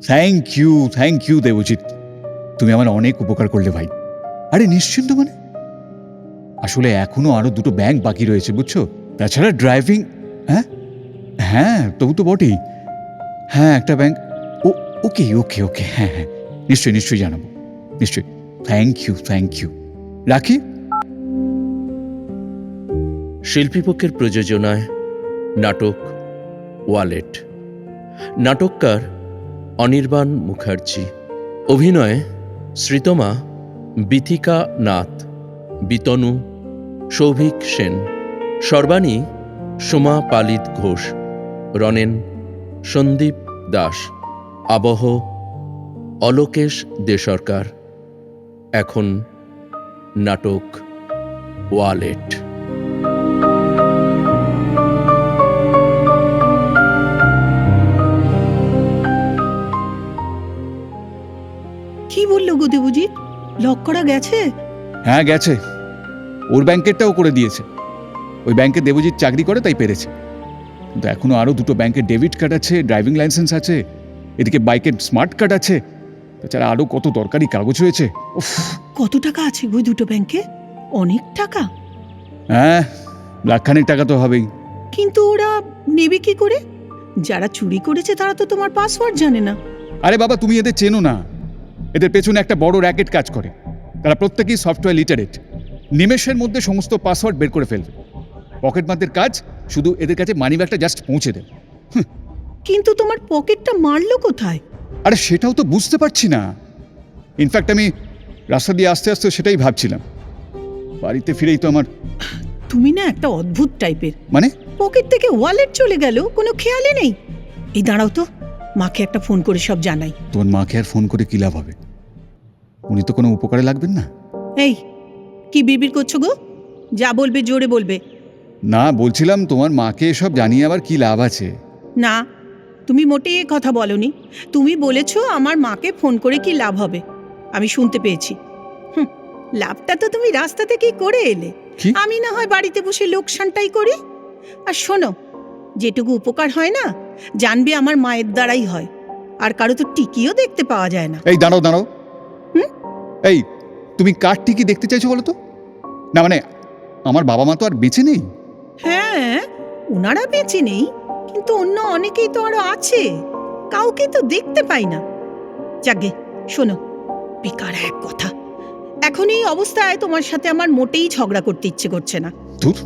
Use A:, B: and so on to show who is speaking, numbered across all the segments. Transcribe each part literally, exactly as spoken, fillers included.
A: Thank you thank you Debjit, তুমি আমার অনেক উপকার করলে ভাই। আরে নিশ্চিন্ত মানে, আসলে এখনো আরো দুটো ব্যাংক বাকি রয়েছে বুঝছো, তাছাড়া ড্রাইভিং। হ্যাঁ হ্যাঁ তবু তো বটেই। হ্যাঁ একটা ব্যাংক। ও ওকে ওকে ওকে হ্যাঁ হ্যাঁ নিশ্চয়ই নিশ্চয়ই জানাবো, নিশ্চয়ই। থ্যাংক ইউ থ্যাংক ইউ, রাখি।
B: শিল্পীপক্ষের প্রযোজনায় নাটক ওয়ালেট। নাটককার অনির্বাণ মুখার্জি। অভিনয়ে শ্রীতমা, বিথিকা নাথ, বিতনু, সৌভিক সেন, সর্বাণী সোমা পালিত ঘোষ, রনেন সন্দীপ দাস, আবহ অলোকেশ দে সরকার। এখন নাটক ওয়ালেট।
C: কি বললো গো দেবজিৎ, লক করা গেছে?
A: হ্যাঁ গেছে, ওর ব্যাংকেরটাও করে দিয়েছে। ওই ব্যাংকে দেবজিৎ চাকরি করে তাই পেরেছে, কিন্তু এখনো আরো দুটো ব্যাংকের ডেবিট কার্ড আছে, ড্রাইভিং লাইসেন্স আছে, এদিকে বাইকের স্মার্ট কার্ড আছে, তাছাড়া আরো কত দরকারি কাগজ রয়েছে। উফ,
C: কত টাকা আছে গো দুটো ব্যাংকে? অনেক টাকা।
A: হ্যাঁ লাখখানেক টাকা তো হবেই।
C: কিন্তু ওরা নেবে কি করে? যারা চুরি করেছে তারা তো তোমার পাসওয়ার্ড জানে না।
A: আরে বাবা তুমি এদের চেনো না, এদের পেছনে একটা বড় র্যাকেট কাজ করে। তারা প্রত্যেকেই সফটওয়্যার লিটারেট, নিমেষের মধ্যে সমস্ত পাসওয়ার্ড বের করে ফেলবে। পকেট মারদের কাজ শুধু এদের কাছে মানি ব্যাগটা জাস্ট পৌঁছে দেবে।
C: কিন্তু তোমার পকেটটা মারলো কোথায়?
A: আরে সেটাও তো বুঝতে পারছি না। ইনফ্যাক্ট আমি রাস্তা দিয়ে আস্তে আস্তে সেটাই ভাবছিলাম। বাড়িতে ফিরেই তো আমার।
C: তুমি না একটা অদ্ভুত টাইপের।
A: মানে
C: পকেট থেকে ওয়ালেট চলে গেল, কোনো খেয়ালই নেই। এই দাঁড়াও তো, মাকে একটা ফোন করে সব জানাই।
A: তোমার মাকে আর ফোন করে কি লাভ হবে? উনি তো কোনো উপকারে লাগবেন না।
C: এই কি বিড়বিড় করছো গো? যা বলবে জোরে বলবে।
A: না বলছিলাম তোমার মাকে এসব জানিয়ে আবার কি লাভ আছে?
C: না, তুমি মোটেই এ কথা বলনি। তুমি বলেছো আমার মাকে ফোন করে কি লাভ হবে, আমি শুনতে পেয়েছি। হুম, লাভটা তো তুমি রাস্তা থেকেই করে এলে।
A: কি?
C: আমি না হয় বাড়িতে বসে লোকসানটাই করি। আর শোনো, যেটুকু উপকার হয় না, জানবে আমার মায়ের দ্বারাই হয়। আর কারো তো টিকিও দেখতে পাওয়া যায় না।
A: এই দাঁড়াও দাঁড়াও।
C: হুম?
A: এই তুমি কার টিকি দেখতে চাইছো বলো তো? না মানে আমার বাবা মা তো আর বেঁচে নেই।
C: হ্যাঁ, ওনারা বেঁচে নেই, কিন্তু অন্য অনেকেই তো আরো আছে, কাউকে তো দেখতে পাই না। যাগে শোনো, বেকার এক কথা। এখন এই অবস্থায় তোমার সাথে আমার মোটেই ঝগড়া করতে ইচ্ছে করছে না।
A: ধুর।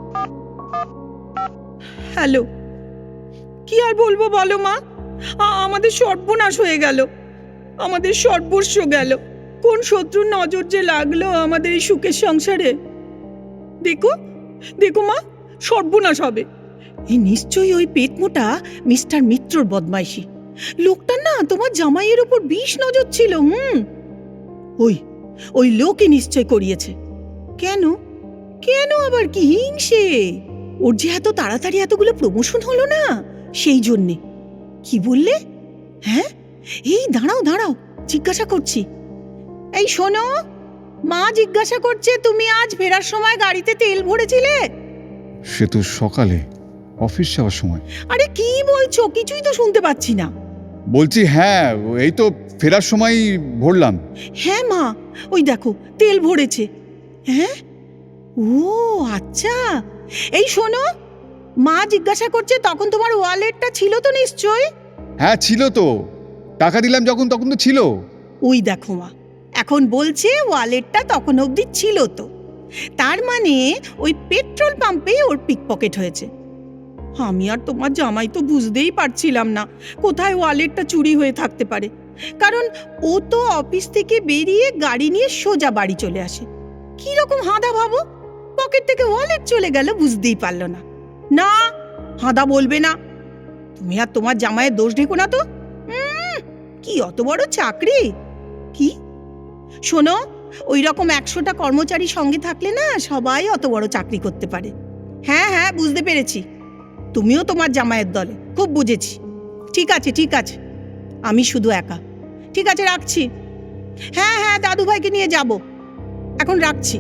C: হ্যালো, কি আর বলবো বলো মা, আ- আমাদের সর্বনাশ হয়ে গেল, আমাদের সর্বস্ব গেল। কোন শত্রুর নজর যে লাগলো আমাদের এই সুখের সংসারে। দেখো দেখো মা, সর্বনাশ হবে। এই নিশ্চয়ই ওই পেটমোটা মিস্টার মিত্রর বদমাইশি। লোকটা না তোমার জামাইয়ের উপর বিষ নজর ছিল। হুম, ওই ওই লোকই নিশ্চয় করিয়েছে। কেন কেন আবার কি হিংসে? ওর যে এত তাড়াতাড়ি এতগুলো প্রমোশন হলো না, সেই জন্যে। কি বললে? হ্যাঁ, এই দাঁড়াও দাঁড়াও, জিজ্ঞাসা করছি। এই শোনো, মা জিজ্ঞাসা করছে তুমি আজ ফেরার সময় গাড়িতে তেল ভরেছিলে?
A: সে তো সকালে অফিস যাওয়ার সময়।
C: আরে কি বলছো, কিছুই তো শুনতে পাচ্ছি না।
A: বলছি হ্যাঁ, এই তো ফেরার সময় ভরলাম।
C: হ্যাঁ মা, ওই দেখো তেল ভরেছে। হ্যাঁ, ও আচ্ছা। এই শোনো, মা জিজ্ঞাসা করছে তখন তোমার ওয়ালেটটা ছিল তো নিশ্চয়?
A: হ্যাঁ ছিল তো, টাকা দিলাম যখন তখন তো ছিল।
C: ওই দেখো মা, এখন বলছে ওয়ালেটটা তখন অবধি ছিল তো। তার মানে ওই পেট্রোল পাম্পে ওর পিকপকেট হয়েছে। আমি আর তোমার জামাই তো বুঝতেই পারছিলাম না কোথায় ওয়ালেটটা চুরি হয়ে থাকতে পারে, কারণ ও তো অফিস থেকে বেরিয়ে গাড়ি নিয়ে সোজা বাড়ি চলে আসে। কি রকম হাঁদা ভাবো, পকেট থেকে ওয়ালেট চলে গেল বুঝতেই পারলো না। না, হাঁদা বলবে না। তুমি আর তোমার জামাইয়ের দোষ ঢেকো না তো। উম, কি অত বড় চাকরি? কি শোনো, ওই রকম একশোটা কর্মচারী সঙ্গে থাকলে না সবাই অত বড় চাকরি করতে পারে। হ্যাঁ হ্যাঁ বুঝতে পেরেছি, তুমিও তোমার জামাইয়ের দলে, খুব বুঝেছি। ঠিক আছে ঠিক আছে, আমি শুধু একা। ঠিক আছে রাখছি। হ্যাঁ হ্যাঁ দাদু ভাইকে নিয়ে যাব, এখন রাখছি।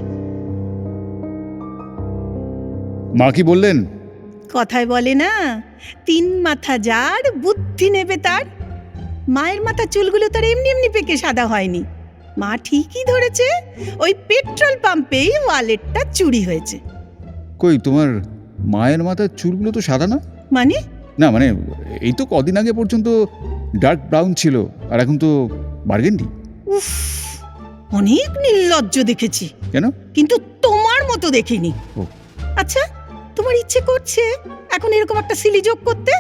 A: মা কি বললেন?
C: কথায় বলে না, তিন মাথা যার বুদ্ধি নেবে তার। মায়ের মাথার চুলগুলো তার এমনি এমনি পেকে সাদা হয়নি। মা ঠিকই ধরেছে, ওই পেট্রোল পাম্পেই ওয়ালেটটা চুরি হয়েছে।
A: কই তোমার মায়ের মাথার চুলগুলো তো সাদা না?
C: মানে?
A: না মানে এই তো কদিন আগে পর্যন্ত ডার্ক ব্রাউন ছিল, আর এখন তো বার্গেন্ডি।
C: উফ, অনেক নির্লজ্জ দেখেছি,
A: কেন?
C: কিন্তু তোমার মতো দেখিনি।
A: ও।
C: আচ্ছা, তোমার ইচ্ছে করছে এখন এরকম একটা সিলি যোগ করতে?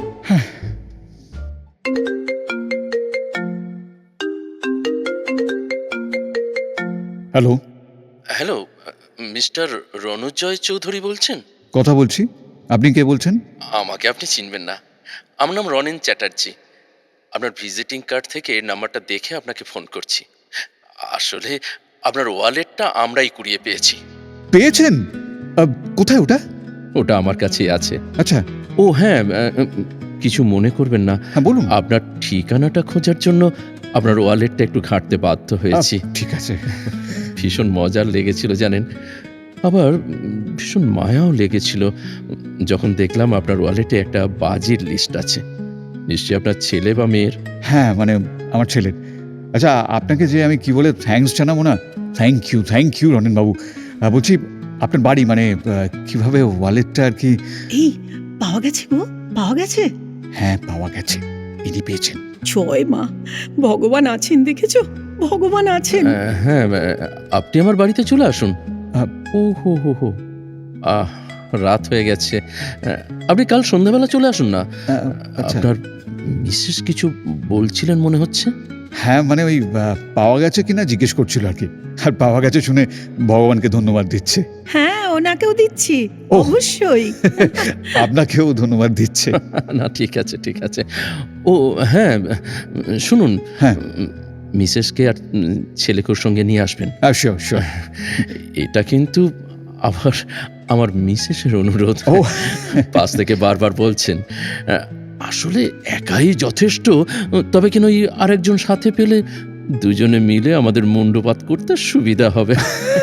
A: Hello,
B: hello, mister Ranajoy Chowdhury বলছেন?
A: কথা বলছি। আপনি কে বলছেন?
B: আমাকে আপনি চিনবেন না, আমার নাম রনেন চ্যাটার্জি। আপনার ভিজিটিং কার্ড থেকে নাম্বারটা দেখে আপনাকে ফোন করছি। আসলে আপনার ওয়ালেটটা আমরাই কুড়িয়ে পেয়েছি।
A: পেয়েছেন? আহ, কোথায় ওটা?
B: ওটা আমার কাছেই আছে।
A: আচ্ছা,
B: ও হ্যাঁ, আহ, কিছু মনে করবেন না,
A: হ্যাঁ বলুন।
B: আপনার ঠিকানাটা খোঁজার জন্য আপনার ওয়ালেটটা একটু ঘাঁটতে বাধ্য হয়েছি।
A: আহ, ঠিক আছে।
B: ভীষণ মজার লেগেছিল জানেন, আবার উম, ভীষণ মায়াও লেগেছিল যখন দেখলাম আপনার ওয়ালেটে একটা বাজির লিস্ট আছে। নিশ্চয়ই আপনার ছেলে বা মেয়ের।
A: হ্যাঁ মানে আমার ছেলের। আচ্ছা, আপনাকে যে আমি কি বলে থ্যাঙ্কস জানাবো না, thank you thank you Ranen বাবু। আহ, বলছি আপনার বাড়ি মানে আহ, কিভাবে ওয়ালেটটা আর কি।
C: এই পাওয়া গেছে গো, পাওয়া গেছে।
A: হ্যাঁ পাওয়া গেছে, ইনি পেয়েছেন।
C: জয় মা, ভগবান আছেন, দেখেছো, ভগবান আছেন।
B: আহ, হ্যাঁ, আহ, আপনি আমার বাড়িতে চলে আসুন।
A: আহ,
B: ও হো হো হো আহ রাত হয়ে গেছে, আহ, আপনি কাল সন্ধ্যাবেলা চলে আসুন না।
A: আহ, আচ্ছা।
B: আপনার মিসেস কিছু বলছিলেন মনে হচ্ছে।
A: হ্যাঁ মানে ওই আহ, পাওয়া গেছে কিনা জিজ্ঞেস করছিল আর কি, আর পাওয়া গেছে শুনে ভগবানকে ধন্যবাদ দিচ্ছে।
C: হ্যাঁ, ওনাকেও দিচ্ছি,
A: ওহ।
C: অবশ্যই।
A: আপনাকেও ধন্যবাদ দিচ্ছে।
B: না ঠিক আছে ঠিক আছে। ও হ্যাঁ, শুনুন,
A: হ্যাঁ।
B: মিসেসকে আর উম, ছেলেকের সঙ্গে নিয়ে আসবেন।
A: Sure sure.
B: এটা কিন্তু আবার আমার মিসেসের অনুরোধ।
A: ও।
B: পাশ থেকে বারবার বলছেন। আহ, আসলে একাই যথেষ্ট, তবে কেন ওই আরেকজন সাথে পেলে দুজনে মিলে আমাদের মুন্ডপাত করতে সুবিধা হবে।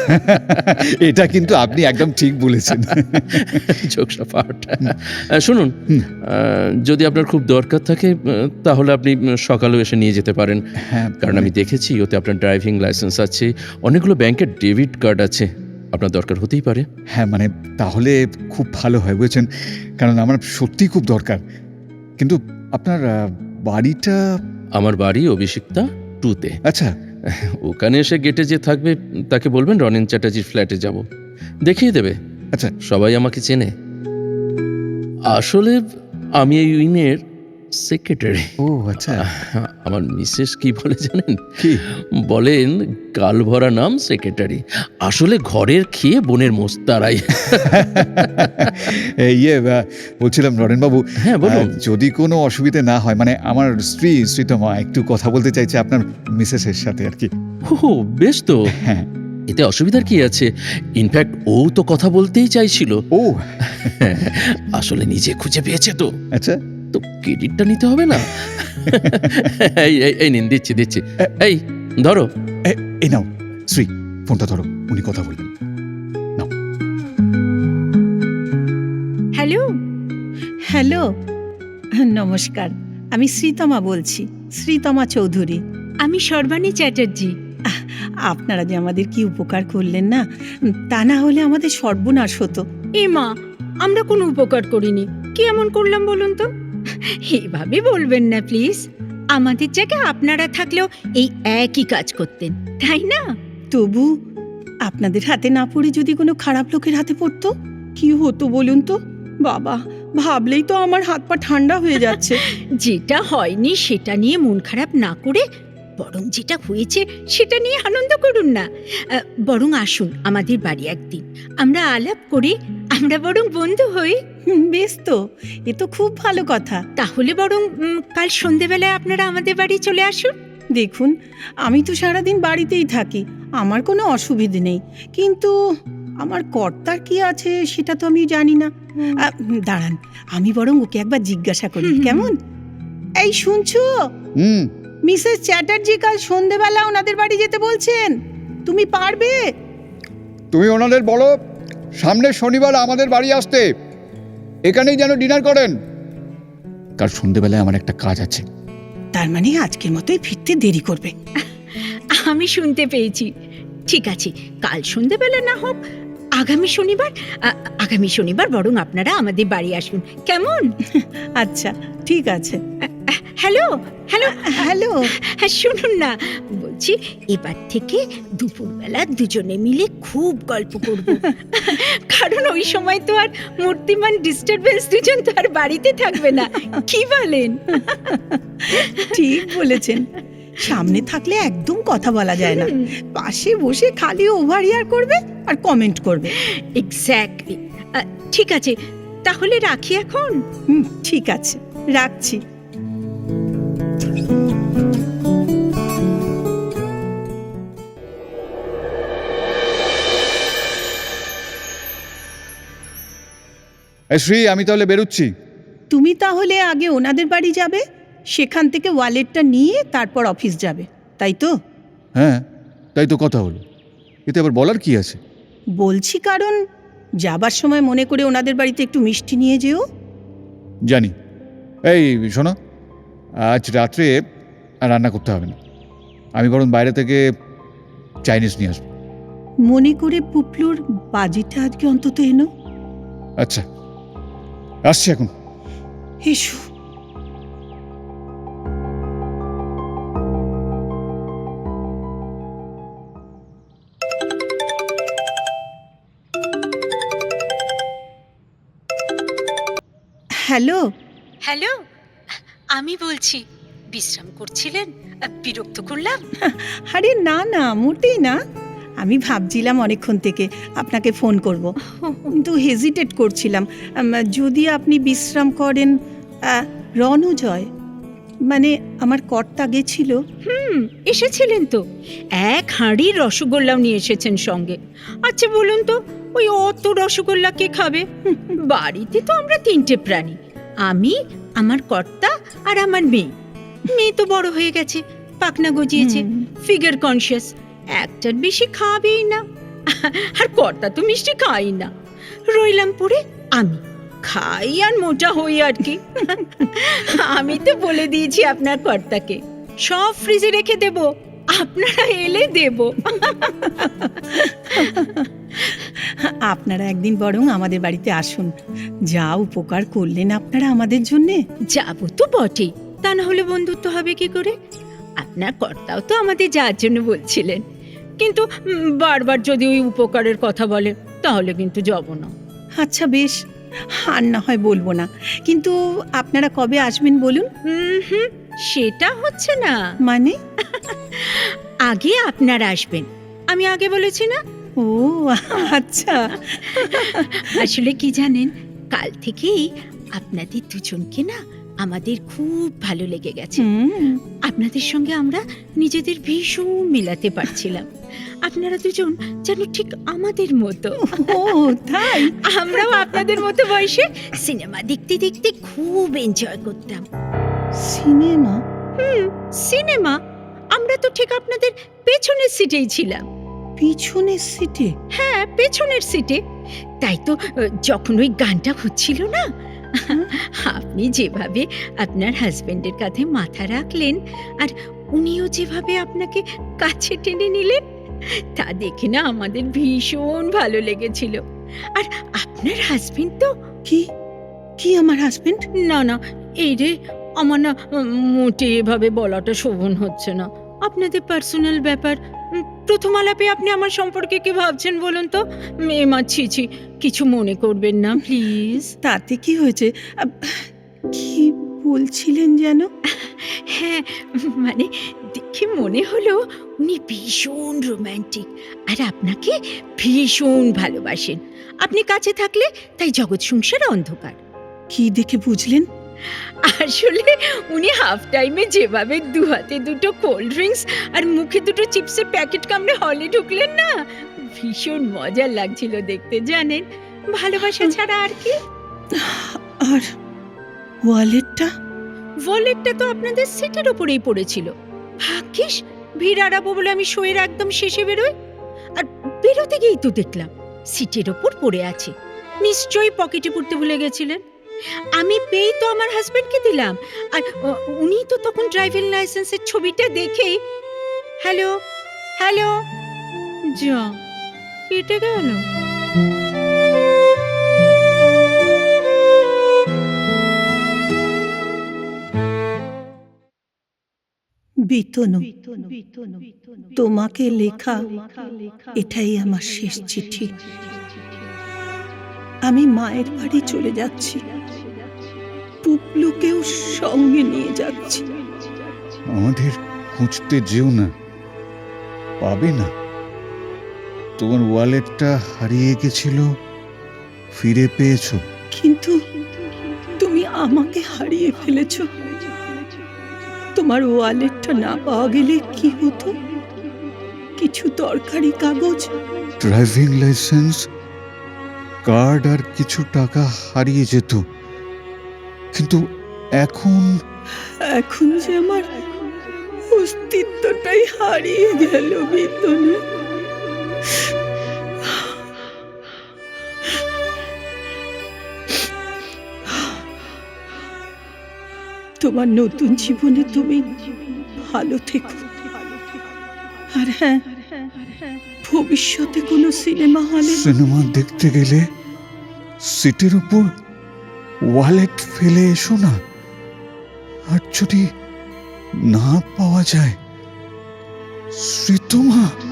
A: এটা কিন্তু আপনি একদম ঠিক বলেছেন।
B: Jokes apart. শুনুন,
A: হুম।
B: আহ, যদি আপনার খুব দরকার থাকে আহ, তাহলে আপনি সকালেও এসে নিয়ে যেতে পারেন।
A: হ্যাঁ
B: কারণ আমি দেখেছি ওতে আপনার ড্রাইভিং লাইসেন্স আছে, অনেকগুলো ব্যাংকের ডেবিট কার্ড আছে, আপনার দরকার হতেই পারে।
A: হ্যাঁ মানে তাহলে খুব ভালো হয় বুঝেছেন, কারণ আমার সত্যিই খুব দরকার। কিন্তু আপনার আহ, বাড়িটা।
B: আমার বাড়ি অভিষিক্তা টুতে।
A: আচ্ছা।
B: ওখানে এসে গেটে যে থাকবে তাকে বলবেন রনেন চ্যাটার্জির ফ্ল্যাটে যাব, দেখিয়ে দেবে।
A: আচ্ছা।
B: সবাই আমাকে চেনে। আসলে আমি এই উইনের সেক্রেটারি।
A: ও আচ্ছা।
B: আমার মিসেস কি বলে জানেন?
A: কি
B: বলেন গাল ভরা নাম সেক্রেটারি, আসলে ঘরের খেয়ে বোনের মোস্তারাই।
A: এই, ইয়ে আহ, বলছিলাম নরেন বাবু,
B: হ্যাঁ বলুন।
A: আহ, যদি কোনো অসুবিধে না হয়, মানে আমার স্ত্রী শ্রীতমা একটু কথা বলতে চাইছে আপনার মিসেসের সাথে আর কি।
B: ও বেশ তো,
A: হ্যাঁ।
B: এতে অসুবিধার কি আছে? ইনফ্যাক্ট ও তো কথা বলতেই চাইছিল।
A: ও
B: আসলে নিজে খুঁজে পেয়েছে তো,
A: আচ্ছা।
B: তো ক্রেডিটটা নিতে হবে না? এই এই- এই নিন, দিচ্ছি দিচ্ছি। এই ধরো।
A: এ- এই নাও শ্রী, ফোনটা ধরো, উনি কথা বলবেন।
C: হ্যালো, হ্যালো, নমস্কার, আমি শ্রীতমা বলছি, শ্রীতমা চৌধুরী।
D: আমি সর্বাণী চ্যাটার্জি।
C: আপনারা যে আমাদের কি উপকার করলেন না, তা না হলে আমাদের সর্বনাশ হতো।
D: এ মা, আমরা কোনো উপকার করিনি। কি এমন করলাম বলুন তো? এইভাবে বলবেন না প্লিজ। আমাদের জায়গায় আপনারা থাকলেও এই একই কাজ করতেন, তাই না?
C: তবু আপনাদের হাতে না পড়ে যদি কোনো খারাপ লোকের হাতে পড়তো, কি হতো বলুন তো? বাবা, ভাবলেই তো আমার হাত পা ঠান্ডা হয়ে যাচ্ছে।
D: যেটা হয়নি সেটা নিয়ে মন খারাপ না করে বরং যেটা হয়েছে সেটা নিয়ে আনন্দ করুন না। আহ, বরং আসুন আমাদের বাড়ি একদিন, আমরা আলাপ করে আমরা বরং বন্ধু হই।
C: হুম, বেশ তো, এ তো খুব ভালো কথা।
D: তাহলে বরং উম, কাল সন্ধেবেলায় আপনারা আমাদের বাড়ি চলে আসুন।
C: দেখুন, আমি তো সারাদিন বাড়িতেই থাকি, আমার কোনো অসুবিধে নেই, কিন্তু আমার কর্তার কি আছে সেটা তো আমি জানি না। আহ, দাঁড়ান, আমি বরং ওকে একবার জিজ্ঞাসা করি,
D: হুম, হুম,
C: কেমন? এই শুনছো,
A: হুম।
C: মিসেস চ্যাটার্জি কাল সন্ধেবেলা ওনাদের বাড়ি যেতে বলছেন, তুমি পারবে?
A: তুমি ওনাদের বলো সামনের শনিবার আমাদের বাড়ি আসতে, এখানেই যেন ডিনার করেন। কাল সন্ধেবেলায় আমার একটা কাজ আছে,
C: তার মানে আজকের মতোই ফিরতে দেরি করবে।
D: আমি শুনতে পেয়েছি। ঠিক আছে, কাল সন্ধেবেলা না হোক আগামী শনিবার, আ- আগামী শনিবার বরং আপনারা আমাদের বাড়ি আসুন, কেমন?
C: আচ্ছা ঠিক আছে।
D: হ্যালো হ্যালো
C: হ্যালো,
D: হ্যাঁ, শুনুন না, বলছি এবার থেকে দুপুরবেলা দুজনে মিলে খুব গল্প করব। কারণ ওই সময় তো আর মূর্তিমান ডিস্টারবেন্স দুজন তো আর বাড়িতে থাকবে না, কি বলেন?
C: ঠিক বলেছেন। সামনে থাকলে একদম কথা বলা যায় না, পাশে বসে খালি ওভার ইয়ার করবে আর কমেন্ট করবে।
D: এক্স্যাক্টলি। ঠিক আছে, তাহলে রাখি এখন।
C: হুম, ঠিক আছে, রাখছি।
A: এ শ্রী, আমি তাহলে বেরোচ্ছি।
C: তুমি তাহলে আগে ওনাদের বাড়ি যাবে, সেখান থেকে ওয়ালেটটা নিয়ে তারপর অফিস যাবে, তাই তো?
A: হ্যাঁ, তাই তো কথা হলো। এতে আবার বলার কি আছে?
C: বলছি কারণ যাবার সময় মনে করে ওনাদের বাড়িতে একটু মিষ্টি নিয়ে যেও।
A: জানি। এই শোনো, আজ রাত্রে আর রান্না করতে হবে না, আমি বরং বাইরে থেকে চাইনিজ নিয়ে আসবো।
C: মনে করে পুপলুর বাজিটা আজকে অন্তত এনো।
A: আচ্ছা, আসছি এখন।
C: এসো। হ্যালো।
D: হ্যালো, আমি বলছি, বিশ্রাম করছিলেন? বিরক্ত করলাম?
C: আরে না না, মোটেই না। আমি ভাবছিলাম অনেকক্ষণ থেকে আপনাকে ফোন করব, কিন্তু হেজিটেট করছিলাম। আম, যদি আপনি বিশ্রাম করেন। আহ, রণজয় মানে আমার কর্তা গেছিল।
D: হুম, এসেছিলেন তো, এক হাঁড়ি রসগোল্লাও নিয়ে এসেছেন সঙ্গে। আচ্ছা বলুন তো, ওই অত রসগোল্লা কে খাবে? বাড়িতে তো আমরা তিনটে প্রাণী, আমি, আমার কর্তা আর আমার মেয়ে। মেয়ে তো বড় হয়ে গেছে, পাকনা গজিয়েছে,
C: হুম।
D: ফিগার কনসিয়াস, একটার বেশি খাবেই না। আর কর্তা তো মিষ্টি খাই না। রইলাম পড়ে আমি, খাই আর মোটা হই আর কি। আমি তো বলে দিয়েছি আপনার কর্তাকে, সব ফ্রিজে রেখে দেব, আপনারা এলে দেব।
C: আপনারা একদিন বরং আমাদের বাড়িতে আসুন, যা উপকার করলেন আপনারা আমাদের জন্যে।
D: যাবো তো বটেই, তা না হলে বন্ধুত্ব হবে কি করে? আপনার কর্তাও তো আমাদের যাওয়ার জন্য বলছিলেন, কিন্তু উম, বারবার যদি ওই উপকারের কথা বলে তাহলে কিন্তু যাব না।
C: আচ্ছা বেশ, আর না হয় বলবো না, কিন্তু আপনারা কবে আসবেন বলুন।
D: হুম হুম, সেটা হচ্ছে না।
C: মানে?
D: আগে আপনারা আসবেন, আমি আগে বলেছি না?
C: ও আচ্ছা।
D: আসলে কি জানেন, কাল থেকেই আপনাদের দুজনকে না আমাদের খুব ভালো লেগে গেছে।
C: হুম,
D: আপনাদের সঙ্গে আমরা নিজেদের ভীষণ মেলাতে পারছিলাম। আপনারা দুজন যেন ঠিক আমাদের মতো।
C: ও তাই?
D: আমরাও আপনাদের মতো বয়সে সিনেমা দেখতে দেখতে খুব এনজয় করতাম।
C: সিনেমা?
D: হুম, সিনেমা। আমরা তো ঠিক আপনাদের পেছনের সিটেই ছিলাম।
C: পিছনের সিটে?
D: হ্যাঁ, পেছনের সিটে। তাই তো আহ, যখন ওই গানটা হচ্ছিল না, আপনি যেভাবে আপনার হাজবেন্ডের কাঁধে মাথা রাখলেন আর উনিও যেভাবে আপনাকে কাছে টেনে নিলেন, তা দেখে না আমাদের ভীষণ ভালো লেগেছিল। আর আপনার হাজবেন্ড তো,
C: কি কি আমার হাজবেন্ড?
D: না না, এই রে, আমার না উম, মোটে এভাবে বলাটা শোভন হচ্ছে না। আপনাদের পার্সোনাল ব্যাপার। উম, প্রথম আলাপে আপনি আমার সম্পর্কে কি ভাবছেন বলুন তো? মেয়ে মা, ছি ছি, কিছু মনে করবেন না প্লিজ।
C: তাতে কি হয়েছে? আব, কি বলছিলেন যেন?
D: হ্যাঁ, মানে দেখে মনে হলো উনি ভীষণ রোমান্টিক আর আপনাকে ভীষণ ভালোবাসেন। আপনি কাছে থাকলে তাই জগৎ সংসার অন্ধকার।
C: কি দেখে বুঝলেন?
D: আসলে উনি হাফ টাইমে যেভাবে দু হাতে দুটো কোল্ড ড্রিঙ্কস আর মুখে দুটো চিপসের প্যাকেট কামড়ে হলে ঢুকলেন না, ভীষণ মজার লাগছিল দেখতে, জানেন? ভালোবাসা ছাড়া আর কি।
C: আর ওয়ালেটটা?
D: ওয়ালেটটা তো আপনাদের সিটের ওপরেই পড়েছিল। ভাগ্যিস ভিড় আড়াবো বলে আমি শোয়ের একদম শেষে বেরোই, আর বেরোতে গিয়েই তো দেখলাম সিটের ওপর পড়ে আছে। নিশ্চয়ই পকেটে পড়তে ভুলে গেছিলেন। আমি পেয়েই তো আমার হাজবেন্ডকে দিলাম। আর উ- উনি তো তখন ড্রাইভিং লাইসেন্সের ছবিটা দেখেই হ্যালো হ্যালো যা কেটে গেল।
C: বিতনু, তোমাকে লেখা এটাই আমার শেষ চিঠি। আমি মায়ের বাড়ি চলে যাচ্ছি, পুপলুকেও সঙ্গে নিয়ে যাচ্ছি।
A: আমাদের খুঁজতে যেও না, পাবে না। তোমার ওয়ালেটটা হারিয়ে গেছিল, ফিরে পেয়েছো।
C: কিন্তু তুমি আমাকে হারিয়ে ফেলেছো। তোমার ওয়ালেটটা না পাওয়া গেলে কি হতো? কিছু দরকারি কাগজ,
A: ড্রাইভিং লাইসেন্স, কার্ড আর কিছু টাকা হারিয়ে যেত। কিন্তু এখন
C: এখন যে আমার অস্তিত্বটাই হারিয়ে গেল বিতনু। তোমার নতুন জীবনে তুমি ভালো থেকো। আর হ্যাঁ, ভবিষ্যতে কোনো সিনেমা হলে
A: সিনেমা দেখতে গেলে সিটের উপর ওয়ালেট ফেলে এসো না। আর যদি না পাওয়া যায়, শ্রীতমা।